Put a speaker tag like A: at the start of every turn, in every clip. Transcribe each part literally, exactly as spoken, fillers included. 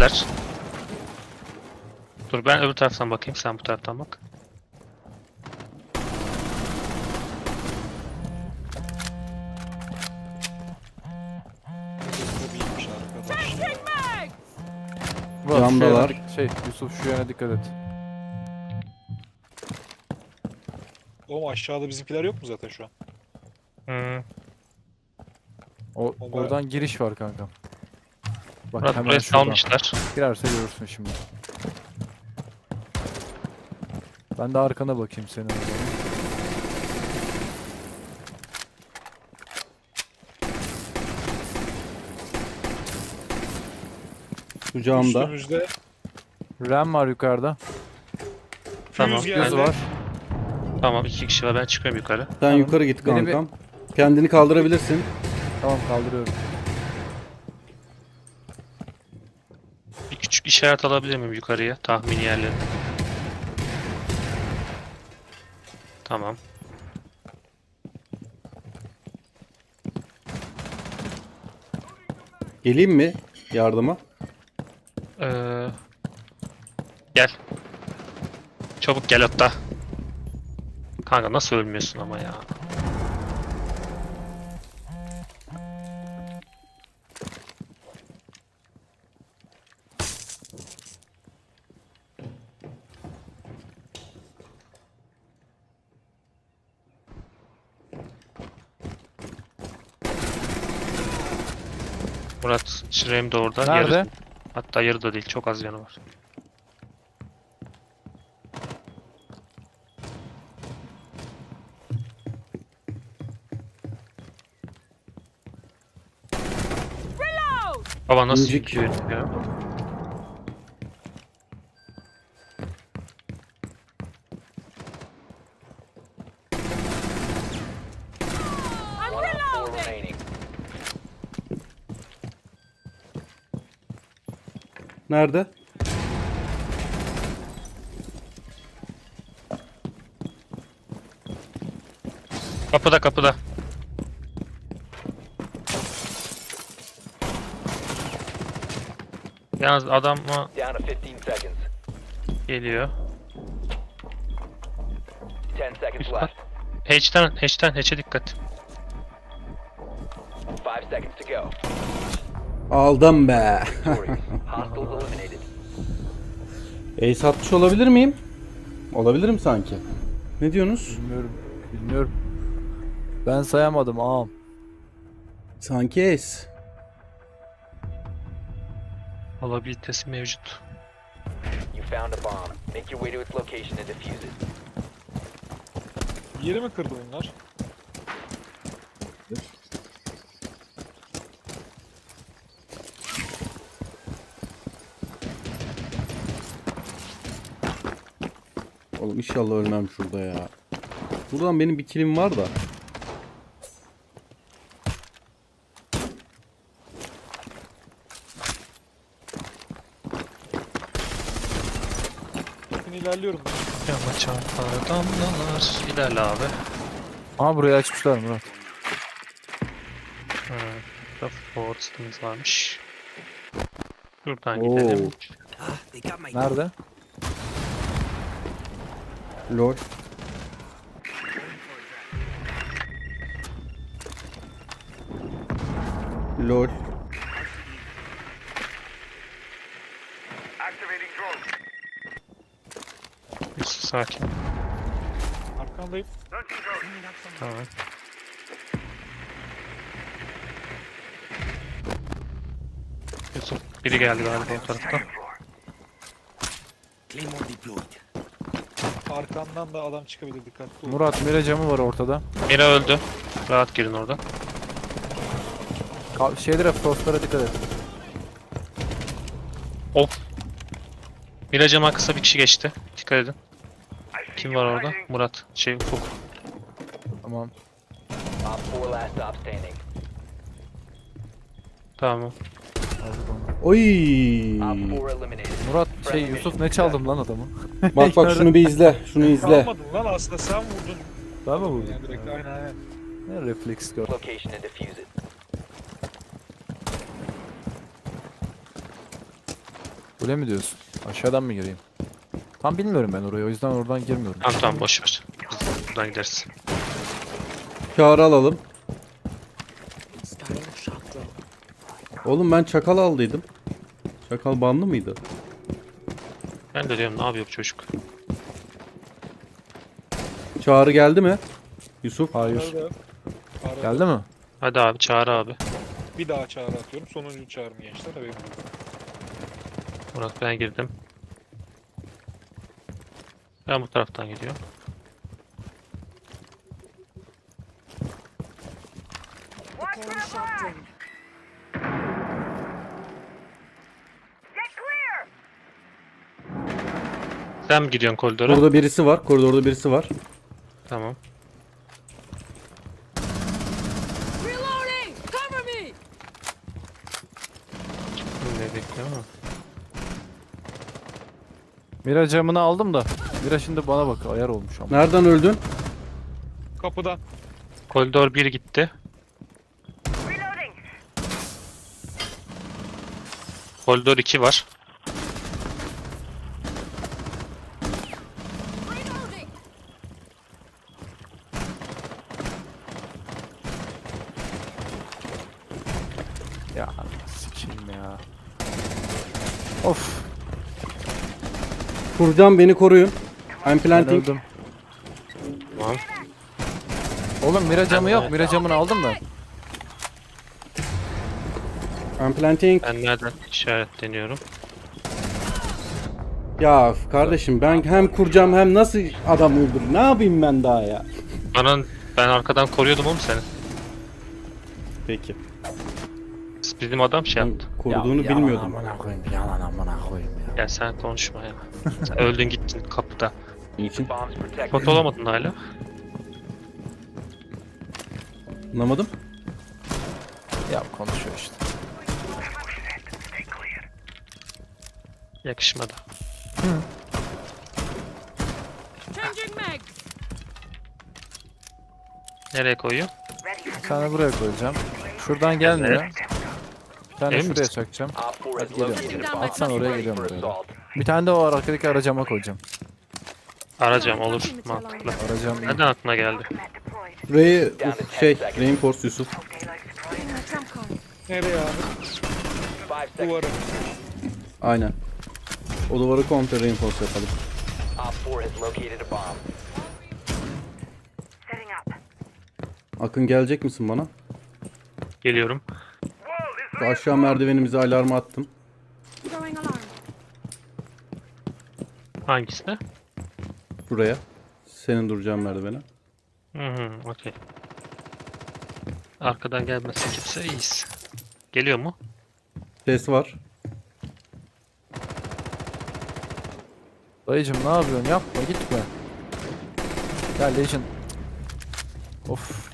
A: Geldiler. Dur ben öbür taraftan bakayım, sen bu taraftan bak.
B: Bu iyiymiş arkadaş ya.
C: Murat, şu
D: Camdalar.
C: yana dik- şey Yusuf şu yana dikkat et.
B: Oğlum aşağıda bizimkiler yok mu zaten şu an?
A: Hmm.
C: O,
B: O
C: oradan giriş var kankam. Bak
A: Murat
C: hemen
A: buraya
C: şuradan.
A: salmışlar.
C: Girerse görürsün şimdi. Ben de arkana bakayım senin. o zaman.
D: Şu camda.
B: Üstümüzde
C: Ram var yukarıda.
A: Tamam,
B: Fuse
A: ben-
C: Yüz
B: geldi.
C: var.
A: Tamam, iki kişi var, ben çıkıyorum yukarı.
D: Sen
C: Tamam.
D: yukarı git
C: Beni bir-
D: kankam. Kendini kaldırabilirsin.
C: Tamam kaldırıyorum.
A: Bir küçük işaret alabilir miyim yukarıya, tahmini yerleri? Tamam.
D: Geleyim mi yardıma?
A: Ee, gel. Çabuk gel hatta. Kanka nasıl ölmüyorsun ama ya? Murat, Şirem de orada.
C: Nerede?
A: Yarı, hatta yarı da değil, çok az yanı var. Baba nasıl
D: İncik.
A: gidiyor ya?
E: One on four remaining.
D: Nerede?
A: Kapıda kapıda. Yalnız adam mı
E: Down to fifteen seconds.
A: geliyor?
E: Ten seconds
A: Üst
E: left.
A: Hatch'ten, hatch'ten, hatch'e dikkat.
E: Five seconds to go.
D: Aldım be.
E: Victorious. Hostiles eliminated.
D: Ace atmış olabilir miyim? Olabilirim sanki. Ne diyorsunuz?
C: Bilmiyorum. Bilmiyorum. Ben sayamadım ağam.
D: Sanki Ace.
A: Olabilitesi mevcut.
E: You found a bomb. Make your way to its location and defuse it.
B: Yeri mi kırdı bunlar?
D: Oğlum inşallah ölmem şurada ya. Buradan benim bir killim var da.
B: Bakın ilerliyorum.
A: Yama çarpar damlalar. İlerle abi.
C: Aha burayı açmışlar Murat.
A: Ha, burada forest'ımız varmış. Şuradan
D: Oo.
A: gidelim.
C: Nerede?
D: Lol. Lol.
A: Yusuf sakin.
B: Arkandayım.
A: Tamam. Yusuf biri geldi galiba o tarafta.
B: Arkandan da adam çıkabilir, dikkatli ol.
C: Murat mire camı var ortada.
A: Biri öldü. Rahat girin oradan.
C: Ka şeylere frostlara dikkat et.
A: Of. Miracama kısa bir kişi geçti. Dikkat edin. Kim var orada? Murat. Şey Ufuk.
C: Tamam.
E: Op four last stop standing.
A: Tamam.
C: Aldık onu.
D: Oy.
E: Op four eliminated.
C: Murat şey Yusuf ne çaldım lan adamı?
D: Bak bak şunu bir izle. Şunu izle.
B: Kalmadın lan, aslında sen vurdun.
C: Ben mi vurdum?
B: Yani direkt, aynen aynen.
C: Ne refleks gör.
E: Location and defuse it.
C: Kule mi diyorsun? Aşağıdan mı gireyim? Tam bilmiyorum ben orayı, o yüzden oradan girmiyorum.
A: Tamam tamam boş ver. Biz buradan gideriz.
D: Çağrı alalım. Oğlum ben çakal aldıydım. Çakal banlı mıydı?
A: Ben de diyorum ne yapıyor bu çocuk?
D: Çağrı geldi mi? Yusuf.
C: Hayır.
B: Arada- arada
C: Geldi mi?
A: Hadi abi çağır abi.
B: Bir daha çağrı atıyorum. Sonuncu çağrım gençler. Haberin olsun.
A: Murat ben girdim. Ben bu taraftan gidiyorum.
F: Deploying shock drone.
A: Sen mi gidiyorsun koridora?
D: Burada birisi var. Koridorda birisi var.
A: Tamam.
F: Reloading! Cover me!
A: Ne bekliyorum ama.
C: Mira camını aldım da. Mira şimdi bana bak, ayar olmuş ama.
D: Nereden öldün?
B: Kapıdan.
A: Koridor bir gitti. Koridor iki var.
F: Reloading!
C: Ya sikeyim ya. Of.
D: Kurcan beni koruyun. I'm
C: Ben
D: planting.
C: öldüm.
A: Tamam.
C: Oğlum Mira camı yok. Mira camını aldım da.
D: I'm planting.
A: Ben nereden işaretleniyorum?
D: Ya kardeşim ben hem kuracağım hem nasıl adam öldürür? Ne yapayım ben daha ya?
A: Bana ben arkadan koruyordum oğlum seni.
D: Peki.
A: Bizim adam şey
D: Ben
A: yaptı.
D: koruduğunu
C: Ya, yalan
D: bilmiyordum.
C: amına koyayım. Yalan amına koyayım ya.
A: Ya sen konuşma ya. Sen öldün gittin kapıda.
D: Niçin?
E: Bombs protected.
A: Pot olamadın hala.
D: Anlamadım.
C: Ya konuşuyor işte.
A: Yakışmadı.
F: Changing mags!
A: Nereye koyuyor?
C: Bir tane buraya koyacağım. Şuradan gelmiyor. Bir tane
A: Emin
C: şuraya
A: misin?
C: çakacağım.
E: Op four has
C: Hadi geliyorum.
E: located a bomb.
C: Atsan oraya
E: Ready
C: geliyorum
E: for
C: böyle.
E: assault.
C: Bir tane de o arkadaki aracama koyacağım.
A: Arayacağım olur. Mantıklı.
C: Aracam iyi.
A: Neden aklına geldi?
D: Ray, şey, Reinforce Yusuf.
F: Getting my trump card.
B: Nereye abi?
E: Five seconds.
B: Duvara.
D: Aynen. O duvarı komple reinforce yapalım.
E: Op four has located a bomb.
D: Akın gelecek misin bana?
A: Geliyorum.
D: Şu aşağı merdivenimize alarmı attım.
F: Throwing alarm.
A: Hangisine?
D: Buraya. Senin duracağın merdivene.
A: Hı hı, okey. Arkadan gelmesin kimse iyiyiz. Geliyor mu?
D: Ses var.
C: Dayıcım ne yapıyorsun? Yapma, gitme. Ya Legion. Of.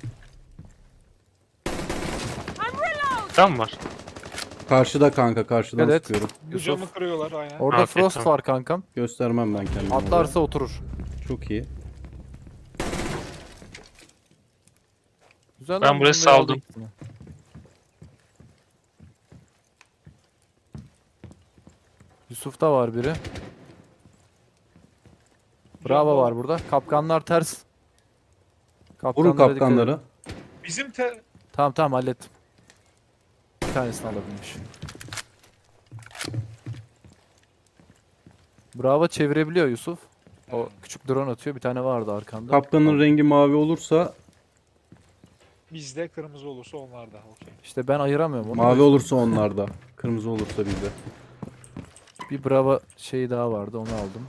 F: I'm reload!
A: Tam var.
D: Karşıda kanka, karşıdan
C: Evet.
D: sıkıyorum.
B: Bu
C: Yusuf.
B: camı kırıyorlar aynen.
C: Orada
A: Okey,
C: Frost
A: tamam.
C: var kankam.
D: Göstermem ben kendimi.
C: Atlarsa oturur.
D: oraya. Çok iyi.
C: Güzel
A: Ben
C: lan,
A: buraya
C: bunu
A: saldım.
C: aldık yine. Yusuf'ta var biri. Bravo var burada. Kapkanlar ters.
D: Vurun
C: Kapkanlara dikkat edin.
D: kapkanları.
B: Bizim te...
C: Tamam tamam hallettim. Bir tanesini alabilmiş. Bravo çevirebiliyor Yusuf. O küçük drone atıyor. Bir tane vardı arkanda.
D: Kapkanın rengi mavi olursa,
B: Bizde kırmızı olursa onlar da. Okey.
C: İşte ben ayıramıyorum onu.
D: mavi olursa onlarda. Kırmızı olursa bizde.
C: Bir Bravo şeyi daha vardı, onu aldım.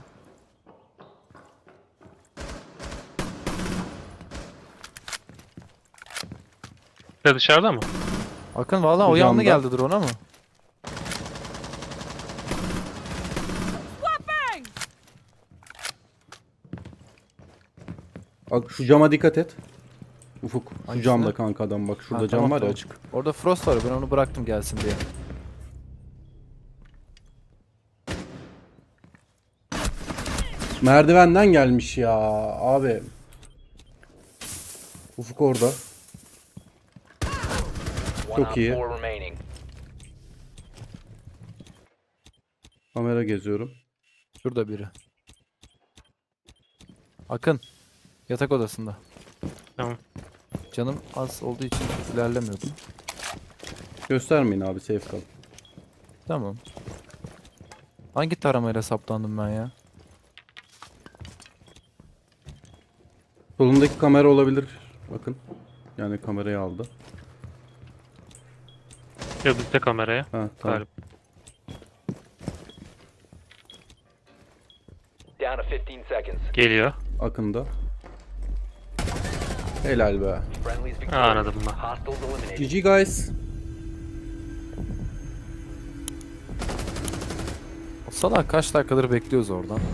A: Bir de dışarıda mı?
C: Akın valla o
D: Bu
C: yanlı
D: camda.
C: geldi drone'a mı?
F: Bang!
D: Bak şu cama dikkat et. Ufuk. Şu
C: Hangisine?
D: camda kanka adam bak. Şurada
C: Ha,
D: cam
C: tamam,
D: var ya
C: tamam.
D: açık.
C: Orada Frost var, ben onu bıraktım gelsin diye.
D: Merdivenden gelmiş ya abi. Ufuk orada.
E: One
D: Çok
E: op
D: iyi.
E: four remaining.
D: Kamera geziyorum.
C: Şurada biri. Akın. Yatak odasında.
A: Tamam.
C: Canım az olduğu için ilerlemiyordum.
D: Göstermeyin abi, safe kalın.
C: Tamam. Hangi taramayla saptandım ben ya?
D: Solundaki kamera olabilir. Bakın. Yani kamerayı aldı.
A: Öbürte kameraya.
D: Ha tamam.
A: Galiba.
E: Down to fifteen seconds.
A: Geliyor.
D: Akında. Helal be.
E: Friendly's
A: Ha,
E: victorious.
A: anladım ben.
E: Hostiles eliminated.
D: G G guys.
C: O salak kaç dakikadır bekliyoruz oradan.